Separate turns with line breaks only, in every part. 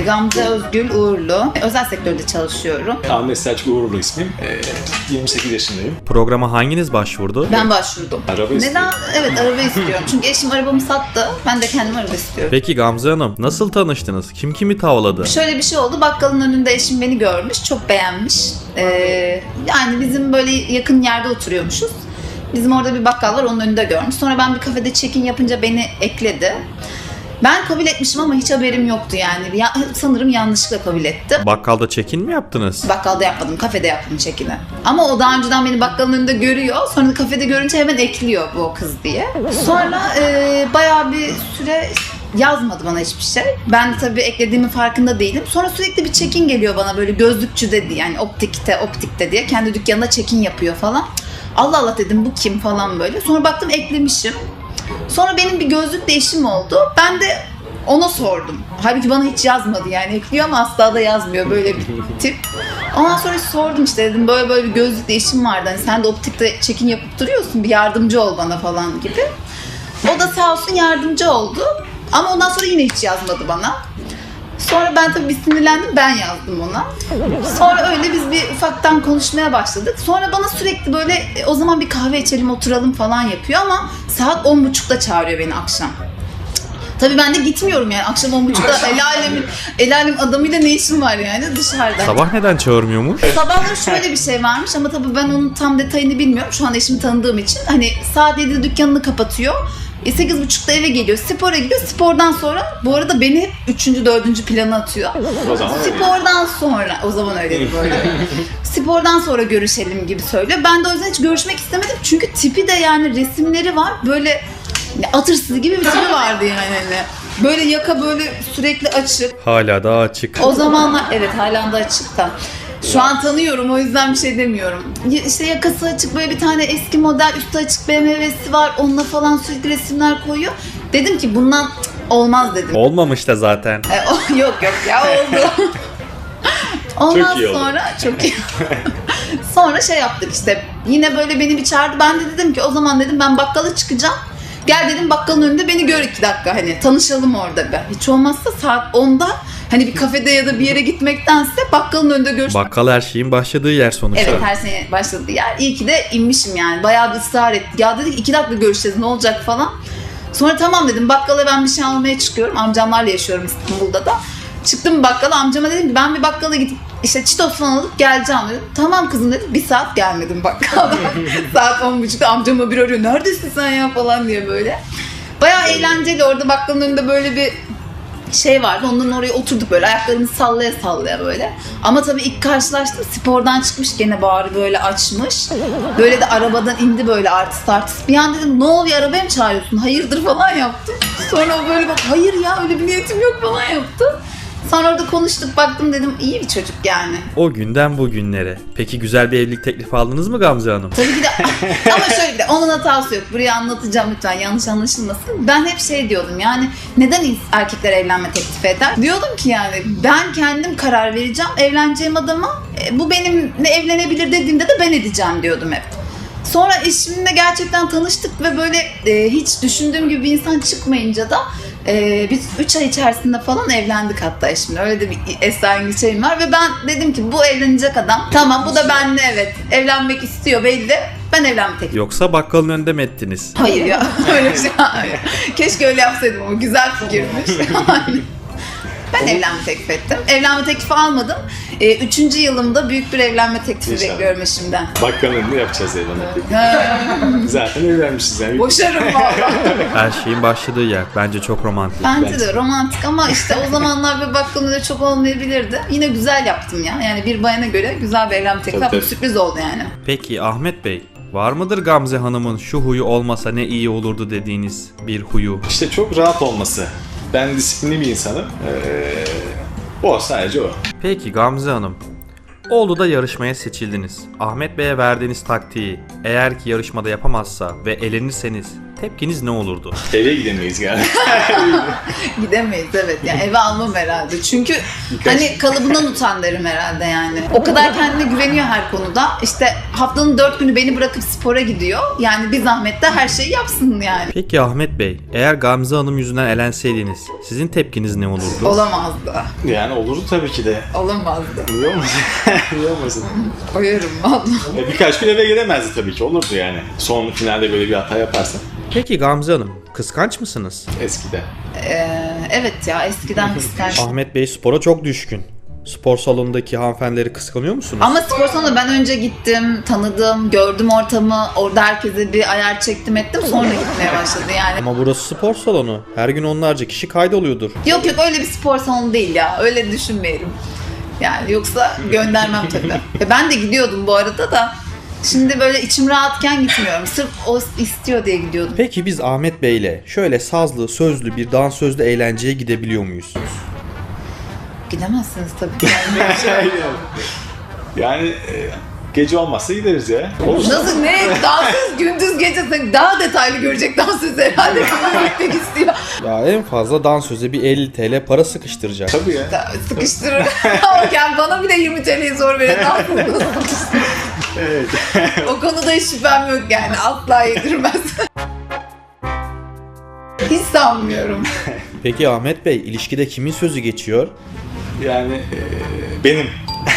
Gamze Özgül Uğurlu. Özel sektörde çalışıyorum.
Ahmet Selçuk Uğurlu ismim. 28 yaşındayım.
Programa hanginiz başvurdu?
Ben başvurdum.
Araba
Neden?
istiyorum.
Evet, araba istiyorum. Çünkü eşim arabamı sattı. Ben de kendim araba istiyorum.
Peki Gamze Hanım, nasıl tanıştınız? Kim kimi tavladı?
Şöyle bir şey oldu. Bakkalın önünde eşim beni görmüş. Çok beğenmiş. Yani bizim böyle yakın yerde oturuyormuşuz. Bizim orada bir bakkal var. Onun önünde görmüş. Sonra ben bir kafede check-in yapınca beni ekledi. Ben kabul etmişim ama hiç haberim yoktu yani. Sanırım yanlışlıkla kabul etti.
Bakkalda check-in mi yaptınız?
Bakkalda yapmadım, kafede yaptım check-in'i. Ama o daha önceden beni bakkalın önünde görüyor. Sonra da kafede görünce hemen ekliyor bu kız diye. Sonra bayağı bir süre yazmadı bana hiçbir şey. Ben de tabii eklediğimin farkında değilim. Sonra sürekli bir check-in geliyor bana böyle gözlükçü dedi yani optikte diye. Kendi dükkanında check-in yapıyor falan. Allah Allah dedim bu kim falan böyle. Sonra baktım eklemişim. Sonra benim bir gözlük değişim oldu. Ben de ona sordum. Halbuki bana hiç yazmadı yani. Ekliyor ama asla da yazmıyor böyle bir tip. Ondan sonra sordum işte dedim böyle bir gözlük değişim vardı. Hani sen de optikte check-in yapıp duruyorsun bir yardımcı ol bana falan gibi. O da sağ olsun yardımcı oldu. Ama ondan sonra yine hiç yazmadı bana. Sonra ben tabii bir sinirlendim, ben yazdım ona. Sonra öyle biz bir ufaktan konuşmaya başladık. Sonra bana sürekli böyle o zaman bir kahve içelim oturalım falan yapıyor ama saat 10.30'da çağırıyor beni akşam. Tabii ben de gitmiyorum yani akşam 10.30'da el alem adamıyla ne işim var yani dışarıda.
Sabah neden çağırmıyormuş?
Sabahları şöyle bir şey varmış ama tabii ben onun tam detayını bilmiyorum. Şu an eşimi tanıdığım için. Hani saat 7'de dükkanını kapatıyor. 8.30'da eve geliyor. Spora gidiyor. Spordan sonra bu arada beni hep 3. 4. plana atıyor.
O zaman
Spordan sonra o zaman öyleydi böyle. Spordan sonra görüşelim gibi söylüyor. Ben de o yüzden hiç görüşmek istemedim. Çünkü tipi de yani resimleri var. Böyle atırsız gibi bir tipi vardı yani hani. Böyle yaka böyle sürekli açık.
Hala daha açık.
O zamanlar evet halen de açık da. Şu an tanıyorum o yüzden bir şey demiyorum. İşte yakası açık böyle bir tane eski model üstü açık BMW'si var. Onunla falan sürekli resimler koyuyor. Dedim ki bundan olmaz dedim.
Olmamış da zaten.
Yok ya oldu. Ondan
Çok iyi oldu.
sonra çok iyi. Sonra şey yaptık işte. Yine böyle beni bir çağırdı. Ben de dedim ki o zaman dedim ben bakkala çıkacağım. Gel dedim bakkalın önünde beni gör 2 dakika hani tanışalım orada be. Hiç olmazsa saat 10'da hani bir kafede ya da bir yere gitmektense bakkalın önünde görüşmek.
Bakkal her şeyin başladığı yer sonuçta.
Evet her sene başladığı yer. İyi ki de inmişim yani. Bayağı bir ısrar etti. Ya dedik 2 dakika görüşeceğiz ne olacak falan. Sonra tamam dedim bakkala ben bir şey almaya çıkıyorum. Amcamlarla yaşıyorum İstanbul'da da. Çıktım bakkala amcama dedim ki ben bir bakkala gidip işte çitos falan alıp geleceğim dedim. Tamam kızım dedim. 1 saat gelmedim bakkala. Saat 10.30'da amcama bir arıyor. Neredesin sen ya falan diye böyle. Bayağı eğlenceli orada bakkalın önünde böyle bir şey vardı. Ondan oraya oturduk böyle ayaklarını sallaya sallaya böyle. Ama tabii ilk karşılaştım spordan çıkmış gene bağrı böyle açmış. Böyle de arabadan indi böyle artist. Bir an dedim ne oluyor arabaya mı çağırıyorsun? Hayırdır falan yaptım. Sonra o böyle bak hayır ya öyle bir niyetim yok falan yaptı. Sonra orada konuştuk baktım dedim iyi bir çocuk yani.
O günden bugünlere. Peki güzel bir evlilik teklifi aldınız mı Gamze Hanım?
Tabii ki de ama şöyle bir de onun hatası yok. Buraya anlatacağım lütfen yanlış anlaşılmasın. Ben hep şey diyordum yani neden erkekler evlenme teklifi eder? Diyordum ki yani ben kendim karar vereceğim evleneceğim adama. Bu benimle evlenebilir dediğimde de ben edeceğim diyordum hep. Sonra eşimle gerçekten tanıştık ve böyle hiç düşündüğüm gibi bir insan çıkmayınca da biz 3 ay içerisinde falan evlendik hatta eşimle. Öyle de bir esrarengiz şeyim var ve ben dedim ki bu evlenecek adam. Tamam bu da benimle evet evlenmek istiyor belli. Ben evlenme teklifi.
Yoksa bakkalın önünde mi ettiniz?
Hayır ya öyle bir şey. Hayır. Keşke öyle yapsaydım ama güzel fikirmiş. Ben evlenme teklif ettim. Evlenme teklifi almadım. 3. yılımda büyük bir evlenme teklifi
İnşallah.
bekliyorum eşimden.
bakkalın önünde yapacağız evlenmek. Zaten evlenmişiz yani.
Boşarım valla.
Her şeyin başladığı yer. Bence çok romantik.
Bence de romantik ama işte o zamanlar bir bakkalın öyle çok olmayabilirdi. Yine güzel yaptım ya. Yani bir bayana göre güzel bir evlenme teklifi yaptım.
Tabii.
Sürpriz oldu yani.
Peki Ahmet Bey, var mıdır Gamze Hanım'ın şu huyu olmasa ne iyi olurdu dediğiniz bir huyu?
İşte çok rahat olması. Ben disiplinli bir insanım. O sadece o.
Peki Gamze Hanım, Oğlu'da yarışmaya seçildiniz. Ahmet Bey'e verdiğiniz taktiği eğer ki yarışmada yapamazsa ve elenirseniz tepkiniz ne olurdu?
Eve gidemeyiz galiba.
Gidemeyiz evet. Yani eve almam herhalde. Çünkü hani kalıbından utan derim herhalde yani. O kadar kendine güveniyor her konuda. İşte haftanın 4 günü beni bırakıp spora gidiyor. Yani bir zahmet de her şeyi yapsın yani.
Peki Ahmet Bey, eğer Gamze Hanım yüzünden elenseydiniz sizin tepkiniz ne olurdu?
Olamazdı.
Yani olurdu tabii ki de.
Olamazdı.
Niye olmasın? Niye olmasın?
Koyarım vallahi.
Birkaç gün eve gelemezdi tabii ki. Olurdu yani. Son finalde böyle bir hata yaparsa.
Peki Gamze Hanım, kıskanç mısınız?
Eskiden.
Evet ya eskiden kıskanç.
Ahmet Bey spora çok düşkün. Spor salonundaki hanımefendileri kıskanıyor musunuz?
Ama spor salonuna ben önce gittim, tanıdım, gördüm ortamı. Orada herkese bir ayar çektim ettim. Sonra gitmeye başladı yani.
Ama burası spor salonu. Her gün onlarca kişi kaydoluyordur.
Yok öyle bir spor salonu değil ya. Öyle düşünmeyelim. Yani yoksa göndermem tabii. Ben de gidiyordum bu arada da. Şimdi böyle içim rahatken gitmiyorum. Sırf o istiyor diye gidiyordum.
Peki biz Ahmet Bey'le şöyle sazlı, sözlü bir dansözlü eğlenceye gidebiliyor muyuz?
Gidemezsiniz tabii ki. Yani böyle bir şey.
Yani gece olmazsa gideriz ya. Olur.
Nasıl ne? Dansöz gündüz gece sen daha detaylı görecek dansöz herhalde. Kızı gitmek istiyor.
Ya en fazla dansöze bir 50 TL para sıkıştıracak.
Tabii ya.
Sıkıştırır. Ama yani bana bile 20 TL'yi zor verir. Dansöz
Evet.
o konuda hiç şüphem yok yani. Asla yedirmez. Hiç sanmıyorum.
Peki Ahmet Bey, ilişkide kimin sözü geçiyor?
Yani benim.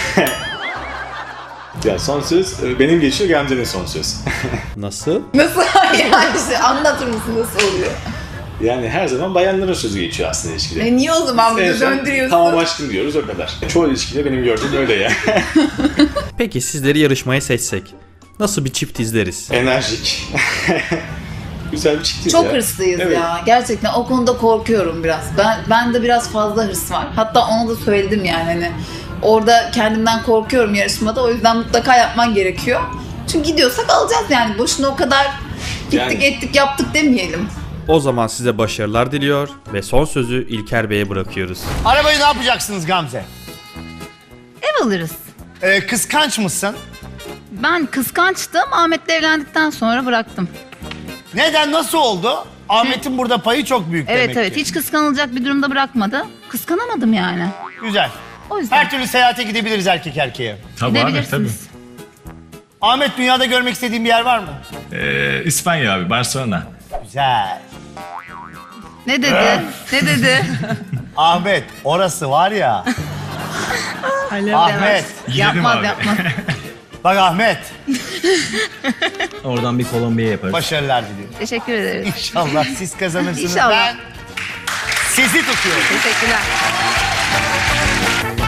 Ya son söz benim geçiyor, Gamze'nin son söz.
Nasıl?
Nasıl yani işte anlatır mısın nasıl oluyor?
Yani her zaman bayanların sözü geçiyor aslında ilişkide.
Niye o zaman bunu
En son
döndürüyorsun?
tamam aşkım diyoruz, o kadar. Çoğu ilişkide benim gördüğüm öyle ya.
Peki sizleri yarışmaya seçsek nasıl bir çift izleriz?
Enerjik. Güzel bir çiftiz
Çok
ya.
hırslıyız
Evet.
ya. Gerçekten o konuda korkuyorum biraz. Ben de biraz fazla hırs var. Hatta ona da söyledim yani hani orada kendimden korkuyorum yarışmada. O yüzden mutlaka yapman gerekiyor. Çünkü gidiyorsak alacağız yani. Boşuna o kadar gittik
Yani-
ettik yaptık demeyelim.
O zaman size başarılar diliyor ve son sözü İlker Bey'e bırakıyoruz.
Arabayı ne yapacaksınız Gamze?
Ev alırız.
Kıskanç mısın?
Ben kıskançtım. Ahmet'le evlendikten sonra bıraktım.
Neden, nasıl oldu? Ahmet'in burada payı çok büyük
Evet
demek
evet.
ki.
Hiç kıskanılacak bir durumda bırakmadı. Kıskanamadım yani.
Güzel.
O yüzden
Her türlü seyahate gidebiliriz erkek erkeğe.
Tabii abi, tabii.
gidebilirsiniz.
Ahmet, dünyada görmek istediğin bir yer var mı?
İspanya abi, Barcelona.
Güzel.
Ne dedi? Ne dedi?
Ahmet, orası var ya. Ahmet.
Gidelim
Yapmaz
abi.
yapmaz.
Bak Ahmet,
Oradan bir Kolombiya yaparız.
başarılar diliyorum.
Teşekkür ederiz.
İnşallah siz kazanırsınız.
İnşallah.
Ben sizi tutuyorum.
Teşekkürler.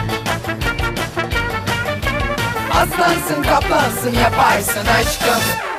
Aslansın kaplansın yaparsın aşkım.